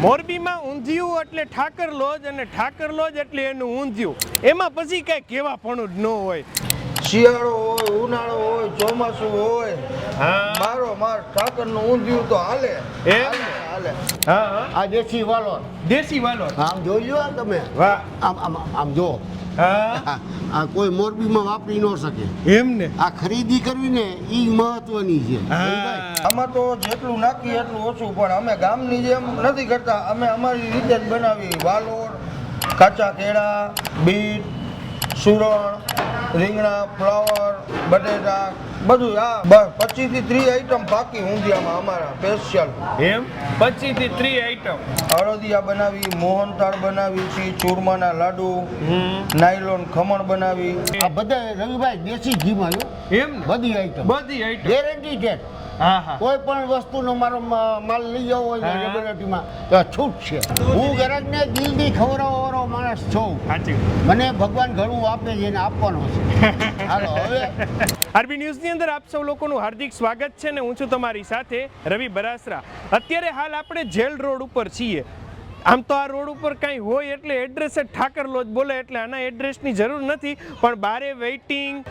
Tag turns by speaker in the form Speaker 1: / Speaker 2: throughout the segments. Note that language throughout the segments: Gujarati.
Speaker 1: મોરબીમાં ઊંધિયું એટલે ઠાકર લોજ અને ઠાકર લોજ એટલે એનું ઊંધિયું. એમાં પછી કઈ કહેવાપણું જ ન હોય.
Speaker 2: શિયાળો હોય, ઉનાળો હોય, ચોમાસું હોય, મારો માર ઠાકરનું ઊંધિયું તો હાલે. હાલે.
Speaker 1: હા
Speaker 3: આ દેશી વાલો.
Speaker 1: દેશી વાલો.
Speaker 3: આમ જોઈ લો તમે.
Speaker 1: વાહ.
Speaker 3: આમ જો.
Speaker 1: હા
Speaker 3: આ કોઈ મોરબીમાં વાપરી ન શકે
Speaker 1: એમ ને.
Speaker 3: આ ખરીદી કરવી ને ઈ મહત્વની છે.
Speaker 2: આમાં તો જેટલું નાખીએ એટલું ઓછું, પણ અમે ગામની જેમ નથી કરતા. અમે અમારી રીતે જ બનાવી. વાલોર, કાચા કેળા, બીટ, સુરણ, રીંગણા, ફ્લાવર, બટેટા, બધું. આ બસ 25 થી 30 આઈટમ પાકી ઊંધિયામાં અમારા સ્પેશિયલ.
Speaker 1: એમ 25 થી 30 આઈટમ.
Speaker 2: અડદિયા બનાવી, મોહનથાળ બનાવી છે, ચૂરમાના લાડુ, નાયલોન ખમણ બનાવી.
Speaker 3: આ બધા રવિભાઈ દેશી ઘીમાં
Speaker 1: એમ
Speaker 3: બધી આઈટમ,
Speaker 1: બધી આઈટમ
Speaker 3: ગેરંટી છે.
Speaker 1: હા હા.
Speaker 3: કોઈ પણ વસ્તુનો મારો માલ લઈ જવો હોય ને લેબોરેટરીમાં તો છૂટ છે. હું ગરજને દિલથી ખવડાવવાનો માણસ છું.
Speaker 1: સાચી.
Speaker 3: મને ભગવાન ઘણું આપે છે એને આપવાનો છે. હાલો હવે
Speaker 1: આરબી ન્યૂઝની અંદર આપ સૌ લોકોનું હાર્દિક સ્વાગત છે ને હું છું તમારી સાથે રવિ બરાસરા. અત્યારે હાલ આપણે જેલ રોડ ઉપર છીએ. આમ તો આ રોડ ઉપર કાંઈ હોય એટલે એડ્રેસ જ ઠાકર લોજ બોલે એટલે આના એડ્રેસની જરૂર નથી, પણ બારે waiting,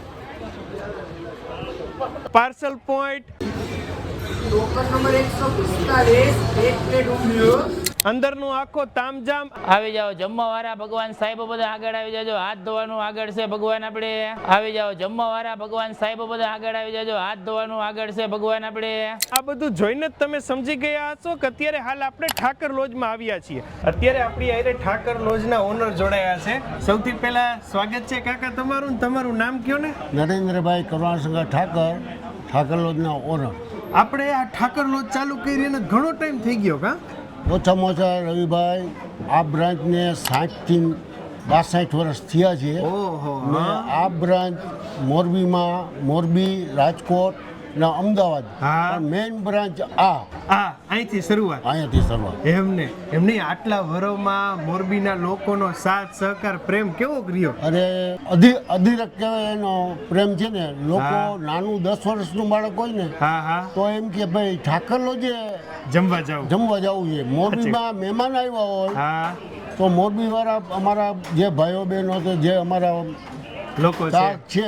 Speaker 1: parcel point,
Speaker 4: local number 145 એક પ્લેટ ઊંધિયું.
Speaker 1: અંદરનું આખો તામજામ.
Speaker 5: આવી જાઓ જમવા વાળા ભગવાન સાહેબ બધા આગળ આવી જાજો. હાથ ધોવાનું આગળ છે ભગવાન આપણે. આવી જાઓ જમવા વાળા ભગવાન સાહેબ બધા આગળ આવી જાજો. હાથ ધોવાનું આગળ છે ભગવાન આપણે.
Speaker 1: આ બધું જોઈને જ તમે સમજી ગયા હશો કે અત્યારે હાલ આપણે ઠાકર લોજમાં આવ્યા છીએ. અત્યારે આપણી આરે ઠાકર લોજના ઓનર જોડાયા છે. સૌથી પહેલા સ્વાગત છે કાકા તમારું. તમારું નામ કયો ને?
Speaker 3: નરેન્દ્રભાઈ કરુણાશંકર ઠાકર, ઠાકર લોજના ઓનર.
Speaker 1: આપણે આ ઠાકર લોજ ચાલુ કરીને ઘણો ટાઈમ થઈ ગયો કા?
Speaker 3: ઓછામાં ઓછા રવિભાઈ આ બ્રાન્ચને 60 થી 62 વર્ષ થયા છે.
Speaker 1: ઓહો.
Speaker 3: ને આ બ્રાન્ચ મોરબીમાં, મોરબી, રાજકોટ ને અમદાવાદ, મેઇન બ્રાન્ચ
Speaker 1: અહીંથી શરૂઆત.
Speaker 3: અહીંયાથી શરૂઆત.
Speaker 1: એમને આટલા વરોમાં મોરબીના લોકોનો સાથ સહકાર પ્રેમ કેવો રહ્યો?
Speaker 3: અરે અધિરક કહેવાય એનો પ્રેમ છે ને. લોકો નાનું 10 વર્ષનું બાળક હોય ને તો એમ કે ભાઈ ઠાકર લોજે
Speaker 1: જમવા
Speaker 3: જવું છે. મોરબીમાં મહેમાન આવ્યા હોય તો મોરબી વાળા અમારા જે ભાઈઓ બહેનો તો જે અમારા
Speaker 1: લોકો છે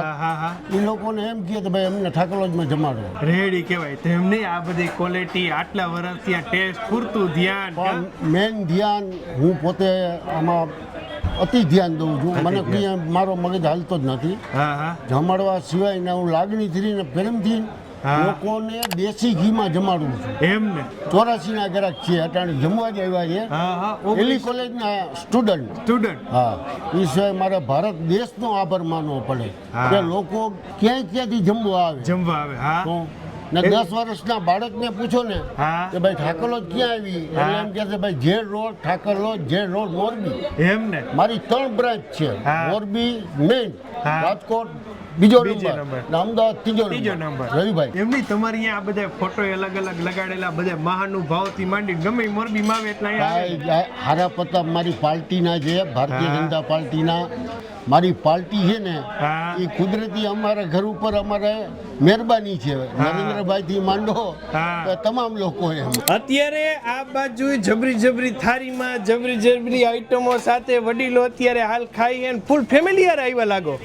Speaker 3: એ લોકોને એમ કહે કે ભાઈ અમને ઠાકર લોજમાં જમાડો.
Speaker 1: રેડી કહેવાય. તો એમને આ બધી ક્વોલિટી આટલા વર્ષથી આ ટેસ્ટ પૂરતું ધ્યાન,
Speaker 3: મેન ધ્યાન હું પોતે આમાં અતિ ધ્યાન દઉં છું. મને કંઈ મારો મગજ હાલતો જ નથી. જમાડવા સિવાય હું લાગણીથી ને પ્રેમથી લોકોને દેશી ઘીમાં જમાડું છું.
Speaker 1: એમ ને
Speaker 3: 84 ના ગ્રાહક છે અટાણે જમવા જ આવ્યા છે. એલી કોલેજના સ્ટુડન્ટ. હા, એ સિવાય મારે ભારત દેશનો આભાર માનવો પડે કે લોકો ક્યાંથી જમવા આવે. તો ને 10 વર્ષના બાળકને પૂછો ને કે ભાઈ ઠાકર લોજ ક્યાં આવી, એટલે એમ કહે છે ભાઈ jail road Thakar lodge, jail road Morbi.
Speaker 1: એમ ને
Speaker 3: મારી 3 બ્રાન્ચ છે. મોરબી મેઇન, રાજકોટ બીજો નંબર, અમદાવાદ ત્રીજો નંબર. રવિભાઈ
Speaker 1: એમની તમારી અહીંયા આ બધા ફોટો અલગ અલગ લગાડેલા, બધા મહાનુભાવથી માંડી ગમે મોરબીમાં આવે એટલે
Speaker 3: હારા પ્રતાપ મારી પાર્ટીના છે, ભારતીય જનતા પાર્ટીના. મારી પાર્ટી છે ને એ કુદરતી અમારા ઘર ઉપર અમારે મહેરબાની છે. નરેન્દ્રભાઈ થી માંડો તમામ લોકો એમ.
Speaker 1: અત્યારે આ બાજુ જબરી થાળીમાં જબરી આઈટમો સાથે વડીલો અત્યારે હાલ ખાઈ અને ફૂલ ફેમિલી યાર આવ્યા લાગો.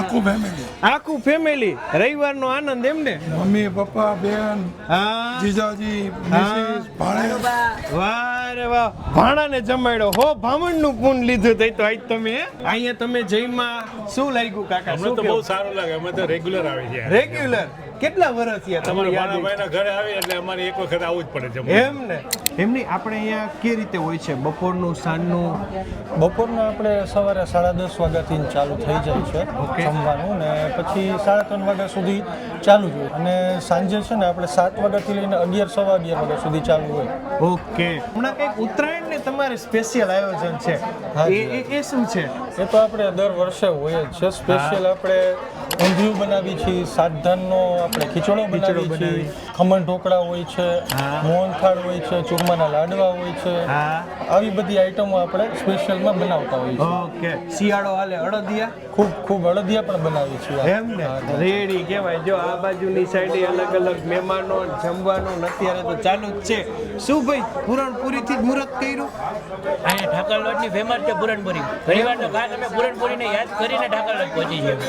Speaker 1: આખું ફેમિલી. રવિવારનો આનંદ એમ ને?
Speaker 6: મમ્મી, પપ્પા, બેન, જીજાજી, મિસિસ, ભાણેજ.
Speaker 1: વાહ રે વાહ. ભાણાને જમાડ્યો હો. ભામણનું પૂન લીધું તઈ તો આજ તમે અહીંયા તમે જઈમાં શું લાગ્યું કાકા?
Speaker 7: અમને તો બહુ સારું લાગે. અમે તો રેગ્યુલર આવી છે.
Speaker 1: રેગ્યુલર કેટલા વર્ષ થયા
Speaker 7: તમારા ભાણાભાઈના ઘરે આવી એટલે અમારે એક વખત આવવું જ પડે છે.
Speaker 1: એમ ને. એમની આપણે અહીંયા કે રીતે હોય છે બપોરનું, સાંજનું?
Speaker 6: બપોરના આપણે સવારે 10:30 વાગ્યાથી ચાલુ થઈ જાય છે જમવાનું, ને પછી 3:30 વાગ્યા સુધી ચાલુ જ હોય. અને સાંજે છે ને આપણે 7 વાગ્યાથી લઈને 11, સવા 11 વાગ્યા સુધી ચાલુ હોય.
Speaker 1: ઓકે. હમણાં કંઈક ઉત્તરાયણ ને તમારે સ્પેશિયલ આયોજન છે, એ શું છે?
Speaker 6: એ તો આપણે દર વર્ષે હોય જ છે. સ્પેશિયલ આપણે ઊંધિયું બનાવી છીએ, સાતધાનનો આપણે ખીચડો બનાવી છીએ, ખમણ ઢોકળા હોય છે, મોહનથાળ હોય છે, ચૂરમાના લાડવા હોય છે. આવી બધી આઈટમો આપણે સ્પેશિયલમાં બનાવતા હોઈએ છીએ.
Speaker 1: ઓકે, શિયાળો હાલે અડદિયા
Speaker 6: ખૂબ અડદિયા પણ બનાવીએ છીએ.
Speaker 1: એમ ને રેડી કહેવાય. જો આ બાજુની સાઈડે અલગ અલગ મહેમાનો જમવાનું અત્યારે તો ચાલુ જ છે. શું ભાઈ પૂરણપુરીથી જ મુહૂર્ત કર્યું?
Speaker 5: અહીંયા ઠાકર લોટની ફેમસ છે પૂરણપુરી. ઘણીવાર તો ખાસ અમે પૂરણપુરીને યાદ કરીને ઠાકર લોટ પહોંચી છીએ.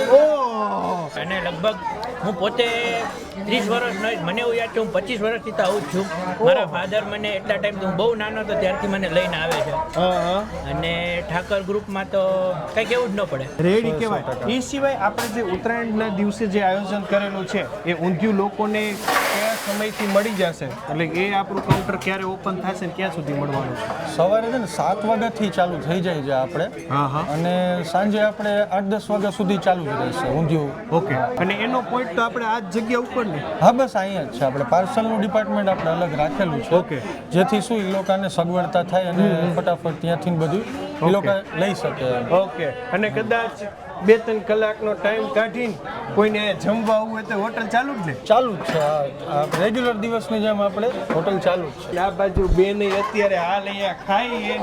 Speaker 5: અને લગભગ હું પોતે 30 વર્ષનો મને એવું યાદ છે, હું 25 વર્ષથી તો આવું જ છું. મારા ફાધર મને એટલા ટાઈમથી હું બહુ નાનો હતો ત્યારથી મને લઈને આવે છે. અને ઠાકર ગ્રુપમાં તો કંઈ કેવું જ ન પડે.
Speaker 1: રેડી કહેવાય. એ સિવાય આપણે જે ઉત્તરાયણના દિવસે જે આયોજન કરેલું છે એ ઊંધિયું લોકોને કયા સમયથી મળી જશે? એટલે એ આપણું કાઉન્ટર ક્યારે ઓપન થશે ને ક્યાં સુધી મળવાનું છે?
Speaker 6: સવારે છે ને 7 વાગ્યાથી ચાલુ થઈ જાય છે આપણે. અને સાંજે આપણે 8-10 વાગ્યા સુધી ચાલુ જ રહેશે ઊંધિયું.
Speaker 1: ઓકે. અને એનો પોઈન્ટ તો આપણે આ જ જગ્યા ઉપર ને?
Speaker 6: હા, બસ અહીંયા જ છે. આપણે પાર્સલનું ડિપાર્ટમેન્ટ આપણે અલગ રાખેલું છે.
Speaker 1: ઓકે.
Speaker 6: જેથી શું એ લોકોને સગવડતા થાય અને ફટાફટ ત્યાંથી બધું એ લોકો લઈ શકે.
Speaker 1: ઓકે. અને કદાચ 2-3 કલાકનો ટાઈમ કાઢીને કોઈને જમવા આવવું હોય તો હોટલ ચાલુ જ ને?
Speaker 6: ચાલુ જ છે. આ રેગ્યુલર દિવસની જેમ આપણે હોટલ ચાલુ જ છે.
Speaker 1: આ બાજુ બેન અત્યારે હાલ અહીંયા ખાઈ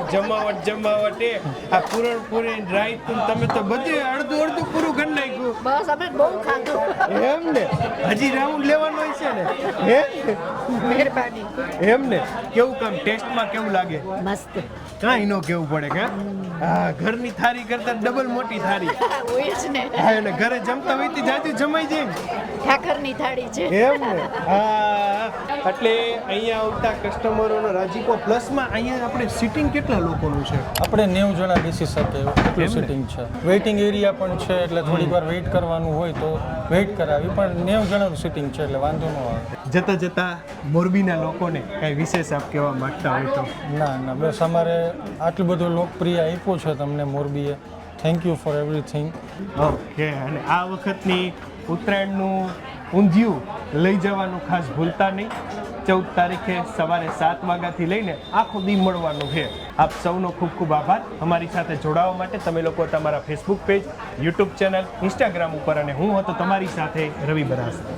Speaker 1: જમાવટ એ આ પૂરણપુરી રાયતું તમે તો બધું અડધું પૂરું કરી નાખ્યું.
Speaker 8: બસ અમે બહુ ખાધું.
Speaker 1: એમ ને? હજી રાઉન્ડ લેવાનો હોય છે ને? હે?
Speaker 8: મહેરબાની.
Speaker 1: એમ ને? કેવું કામ ટેસ્ટમાં કેવું લાગે?
Speaker 8: મસ્ત.
Speaker 1: કાંઈ ન કેવું પડે કે હા, ઘરની થાળી કરતા ડબલ મોટી થાળી.
Speaker 8: હોય જ ને.
Speaker 1: હા, અને ઘરે જમતા હોય તો જાજુ જમાઈ જાય ને.
Speaker 8: ઠાકરની થાળી છે.
Speaker 1: એમ ને? હા. એટલે અહીંયા આવતા કસ્ટમરોનો રાજીપો પ્લસમાં અહીંયા આપણે સિટિંગ કેટલા લોકોનું છે?
Speaker 6: આપણે 90 જણા બેસી શકે એટલું સિટિંગ છે. વેઇટિંગ એરિયા પણ છે, એટલે થોડીક વાર વેઇટ કરવાનું હોય તો વેઇટ કરાવી, પણ 90 જણાનું સિટિંગ છે એટલે વાંધો ન આવે.
Speaker 1: જતા મોરબીના લોકોને કાંઈ વિશેષ આપ કહેવા માંગતા હોય તો?
Speaker 6: ના, બસ અમારે આટલું બધું લોકપ્રિય આપ્યું છે તમને મોરબીએ. Thank you for everything.
Speaker 1: Okay. અને આ વખતની ઉત્તરાયણનું ઊંધિયું લઈ જવાનું ખાસ ભૂલતા નહીં. 14 તારીખે સવારે 7 વાગ્યાથી લઈને આખો દી મળવાનું છે. આપ સૌનો ખૂબ ખૂબ આભાર અમારી સાથે જોડાવા માટે. તમે લોકો તમારા Facebook page, YouTube channel, Instagram ઉપર, અને હું હતો તમારી સાથે રવિ બરાસરા.